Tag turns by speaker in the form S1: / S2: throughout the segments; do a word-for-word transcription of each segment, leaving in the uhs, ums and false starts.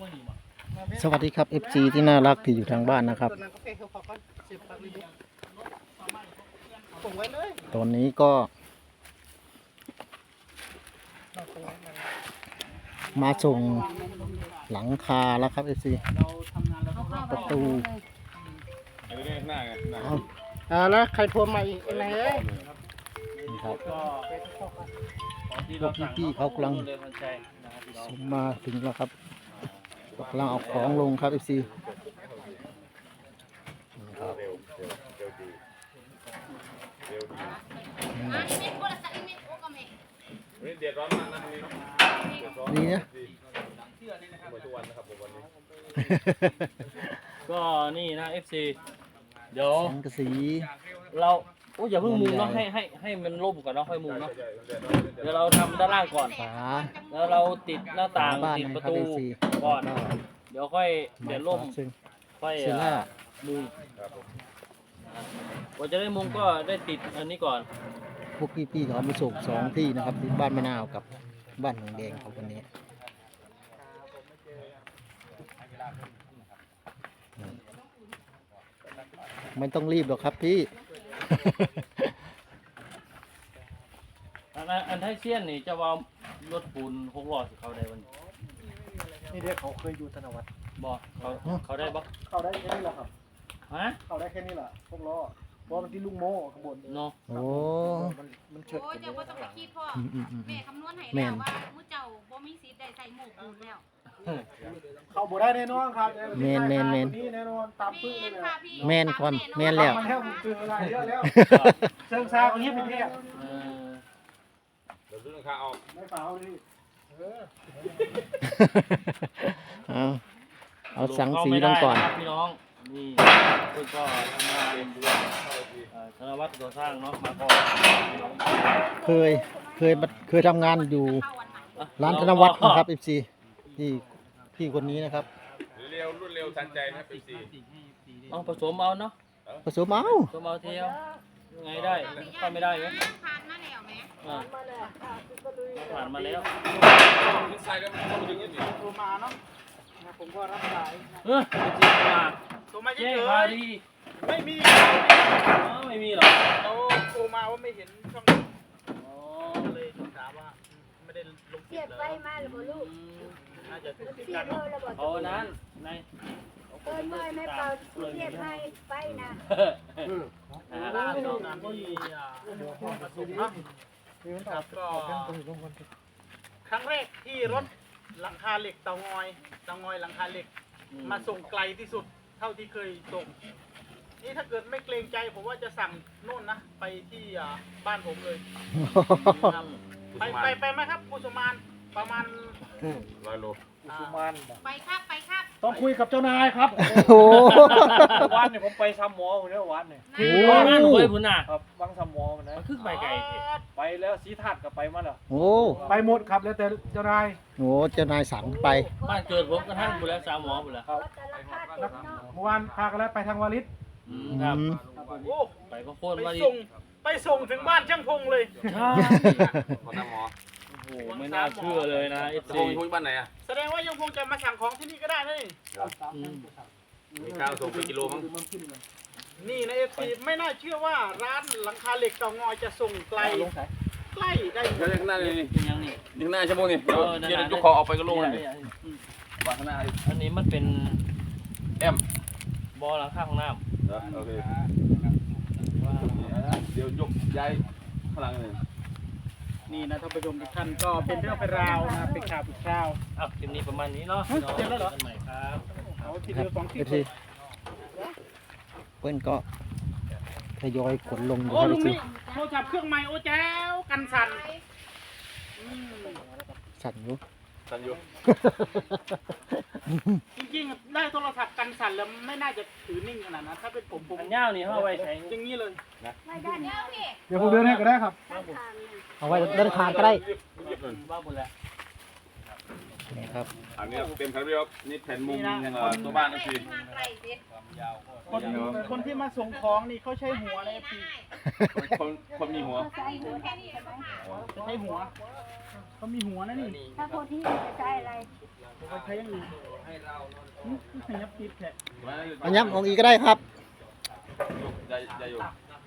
S1: สวัสดีครับ เอฟ ซี ที่น่ารักที่อยู่ทางบ้านนะครับตอนนี้ก็มาส่งหลังคาแล้วครับ เอฟ ซี ประตู
S2: อ่าแล้วใครโทรมาอีกไหนเอ้ย
S1: นี่ครับพวกพี่ๆเขากำลังส่งมาถึงแล้วครับกำลังเอาของลงครับ เอฟ ซีนี่นะ
S3: ก็นี่นะ เอฟ ซี เดี๋ยว
S1: สังกะสี
S3: เราโอ้อย่าเพิ่งมุงเนาะให้ให้ให้มันร่มก่อนเนาะค่อยมุงเนาะเดี๋ยวเราทำด้านล่างก่อน
S1: ฝา
S3: แล้วเราติดหน้าต่าง
S1: บ้าน
S3: ติด
S1: นะ
S3: ประ
S1: ครับ
S3: ตู
S1: เอฟ ซี
S3: ก่อนเดี๋ยวค่อยเดี๋ยวร่ม
S1: ซึ่ง
S3: ค่อย
S1: เซล่า
S3: มุงกว่าจะได้มุงก็ได้ติดอันนี้ก่อน
S1: พวกพี่ๆเขามาส่งสองที่นะครับที่บ้านมะนาวกับบ้านหนองแดงครับวันนี้ไม่ต้องรีบหรอกครับพี่
S3: อันนั้นอันไทเซียนนี่จะว่ารถปูนหกล้อสิเขาได้วันนี้
S2: นี่เด็กเขาเคยอยู่ธนวัฒน์
S3: บอกเขาเขาได้บ่
S2: เขาได้แค่นี้แหละครับ
S3: ฮะ
S2: เขาได้แค่นี้แหละพวกล้อเพราะมันที่ลุงโม่ข้างบน
S3: เนาะ
S1: โอ้
S2: มันมันเฉิด
S4: โอ้
S2: กัน
S4: เจ้าบ่ต้องไปคิดพ่อ
S1: อืมอืมอืม
S4: แม่คำนวณให้แล้วว่ามื้อเจ้าบ่มีสิทธิ์ได้ใส่หมวกปูนแล้ว
S2: เขาบ่ได้แน่นอนครับ
S1: แมนแมนแมน
S2: นี่แน่นอนตามปื้
S4: แม่
S2: เลย
S4: นค่ะพี่
S1: แม่นความแม่นแล้ว
S2: มันแล้วผมเจออะไรเยอะแล้วเชิงซาคนนี้เป็นเทพ
S3: เออ
S5: เดี๋ยวซื้อราคาออก
S2: ไม่เปล่าเลยเออ
S1: เอาเอาสังสีลงก่อน
S3: เข้าไม่ได้ะครับพี่น้องนี่เพิ่งก็ทำงานเอ่อธนวัฒน์ก่อสร้างเนาะมาก่อน
S1: เคยเคยมาเคยทำงานอยู่ร้านธนวัฒน์นะครับ เอฟ ซี ที่พี่คนนี้นะครับ
S5: เร็วรวดเร็วทันใจนะครับพี่ซี
S3: เอาผสมเอาเนาะ
S1: ผสมเอา
S3: ผสมเอาเทียวยังไงได้เข้าไม่ได้ไหม
S4: ผ่านมาแล้วแม่
S3: อ่าผ่านมาแล้ว
S5: ขึ้นสายก็เข้ามาถึงนี่
S2: โทรมาเนาะนะผมก็รับสายนะ
S3: เออจริงมา
S2: โทรมาเฉ
S3: แจ้ง
S2: ย
S3: พาดี
S2: ๆไม่มี
S3: อ๋อไม่มีหรอ
S2: เขาโทรมาว่าไม่เห็นช่องนี้
S3: อ๋อ
S2: เลยถามว่าไม่ได้ลง
S6: เสียบไปมาหรือเปล่าลูก
S2: น่าจะ
S6: เสียบเลยหรือเปล่า
S3: เอานั้นใน
S6: เอ้ยไม่ไม่เปล่าเสียบให้ไปนะ
S3: หา
S2: ร้า
S3: ร้าน น
S2: เรา
S3: เนาะ
S2: นที่ผสมเนาะครับก็ครั้งแรกที่รถหลังคาเหล็กเตางอยเตางอยหลังคาเหล็ก มาส่งไกลที่สุดเท่าที่เคยส่งนี่ถ้าเกิดไม่เกรงใจผมว่าจะสั่งโน่นนะไปที่อ่าบ้านผมเลยครับไปไปไปไหมครับกุสุมานประมาณ
S5: ร้อยโล
S2: กุสุมาน
S4: ไปครับไปครับ
S2: ต้องคุยกับเจ้านายครับ
S1: โอ้
S2: วันเนี่ยผมไปซ้ำหมอผมเนี่ยวันเนี่ย
S1: โอ้
S3: โอ้นั่นหวยพุ่นน่ะ
S2: ครับวังซ้ำหมอมันนะ
S3: มันคือไปไกลเถอะ
S2: ไปแล้วสีทัดกับไปมาแล้ว
S1: โอ้
S2: ไปหมดครับแล้วแต่เจ้านาย
S1: โหเจ้านายสั่งไป
S3: บ้านเกิดผมกระทั่งบุแล้วสามหมอบุแล้ว
S2: ครับ
S6: แต่ละคาดเด็กเนาะ
S2: เมื่อวานพากันแล้วไปทางวาริศ
S3: อืมครับ
S1: อืม
S2: โอ้
S3: ไปก็โค่น
S2: ไป
S3: มาดิ
S2: ส่งไปส่งถึงบ้านช่างพงเลย
S3: ใช่
S5: ขอน้ำหมอ
S3: โอ้โหไม่น่าเชื่อเลยนะเอฟ
S5: จะ
S3: ซี
S5: พงคุยบ้านไหนอ่ะ
S2: แสดงว่ายังคงจะมาสั่งของที่นี่ก็ได้นะนี่
S5: มีข้าวส่งเป็นกิโลมั้ง
S2: นี่นะเอฟซีไม่น่าเชื่อว่าร้านหลังคาเหล็กเตางอยจะส่งไกลใกล้ได้
S5: เดี๋ยวข้างหน้าเลยนี่
S3: เป็นยังนี่
S5: ข้างหน้าชั่วโมงนี่เดี๋ยว
S3: เออนั่น
S5: เดี๋ยว
S3: น่ะ
S5: ยกคอออกไปก็ลงเลย
S3: นี่
S5: วางข้างหน้า
S3: อันนี้มันเป็น
S5: แอม
S3: บอหลังข้างห้องน้
S5: โอเคเดี๋ยวยกย้ายข้างหลังเลย
S2: นี่นะท่านผู้ชมทุกท่านก็เป็นเรื่องเป็นราวนะเป็นข่าวเป็นข่าว
S3: ำอ่ะคลิปนี้ประมาณนี้เนาะพี่น้อง
S2: เสร็จแล้วเหรอ
S3: กันใหม่ครับ
S2: เอาที
S1: ครั
S2: เดี
S1: บ
S2: ยวสอง
S1: เอ
S2: ที่
S1: ฟซีเพื่อนก็ทยอยขนลงอยู่
S2: โอ้
S1: ครับ
S2: ลุ
S1: เอง ฟซี
S2: นี่โทรศัพท์เครื่องใหม่โอ้แจ้วกันสั่นอืม
S1: สั่นอยู่
S5: สันอยู่
S2: จริงๆได้โทรศัพท์กันสั่นแล้วไม่น่าจะถือนิ่งขนาดนั้นถ้าเป็นผมผม
S3: อันยาวนี่เขาเอาไว้ใช้
S2: อย่างนี้เลย
S6: ไม่ได้เนาะ
S2: เดี๋ยวผมเดินให้ก็ได้ครับ
S6: ข้างทางเนี่ย
S1: เอาไว้เดินทางก็ได้
S3: บ้าบุญแล้ว
S1: นี่ครับ
S5: อันนี้เต็มคาราเบลครับนี่แผ่นมุมเอ่อตัวบ้านนะพี่
S4: มาไกลสิ
S2: คนคนที่มาส่งของนี่เขาใช้หัวเลยพี่
S5: คนคนมีหัว
S6: ใส่หัวใช่ไหม
S2: ใช้หัวเขามีหัวนะนี่
S6: ถ้าคนที่จะใช้อะไร
S2: เขาใช้อย่างอื่น
S3: ให้
S2: ขยับติดแค่
S1: อันย้ำของอีกก็ได้ครับ
S5: ใจใจอยู่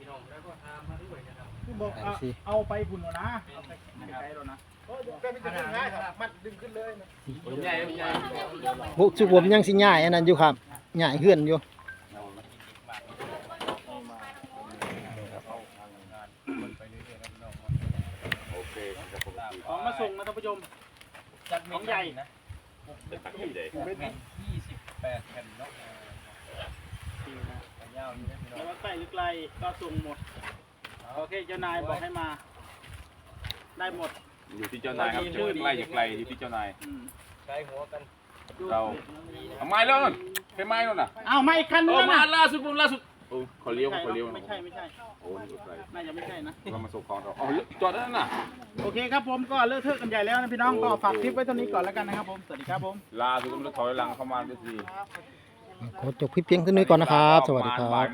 S2: คือบอกเอาเอาไปพุ่นแล้วนะเอาไปไกลๆแล้วนะก็ไม่จะดึงง่ายครับมันดึงขึ้นเลยนะ
S5: ใหญ่ใหญ่
S1: บุกชุบผมยังสิง่ายอันนั้นอยู่ครับง่ายเฮือนอยู่
S5: โอเคครับผม
S2: ของมาส่งนะท่านผู้ชม
S3: จัดของใหญ่นะ
S5: เป็นตักที่ใหญ่
S3: ยี่สิบแปดแผ่นเนาะยาวอยู่นะพี่น้อ
S2: ไม่
S3: ง
S2: ว่าใกล้หรือไกลก็ส่งหมดโอเคเจ้านายบอกให้มา ได้หมด
S5: อยู่ที่เจ้านายครับไกลอย่าไกลอยู่ที่เจ้านาย
S2: อืม
S3: ใช้หัวกัน
S5: เราทำไมแล้วนั่นใช่ไหมนั่นน่ะ
S2: อ้าวไม่คัน
S5: เอ
S2: นึ
S5: อง มา
S2: นะ
S5: ล่าสุดผมล่าสุดโอ้ขอเลี้ยวขอเลี้ยว
S2: ไม่ใช่ไม่ใช่
S5: โอ้นี่ไกล
S2: น่าจะไม่ใช่นะ
S5: เรามาส่งของเราอ๋อจอดนั่นน่ะ
S2: โอเคครับผมก็เลิกเทอะกันใหญ่แล้วนะพี่น้องก็ฝากคลิปไว้เท่านี้ก่อนแล้วกันนะครับผมสวัสดีครับผม
S5: ลาสุดผมจะถอยหลังเข้ามาด้วยสิ
S1: ขอจบคลิปเพียงเท่านี้ก่อนนะครับ สวัสดีครับ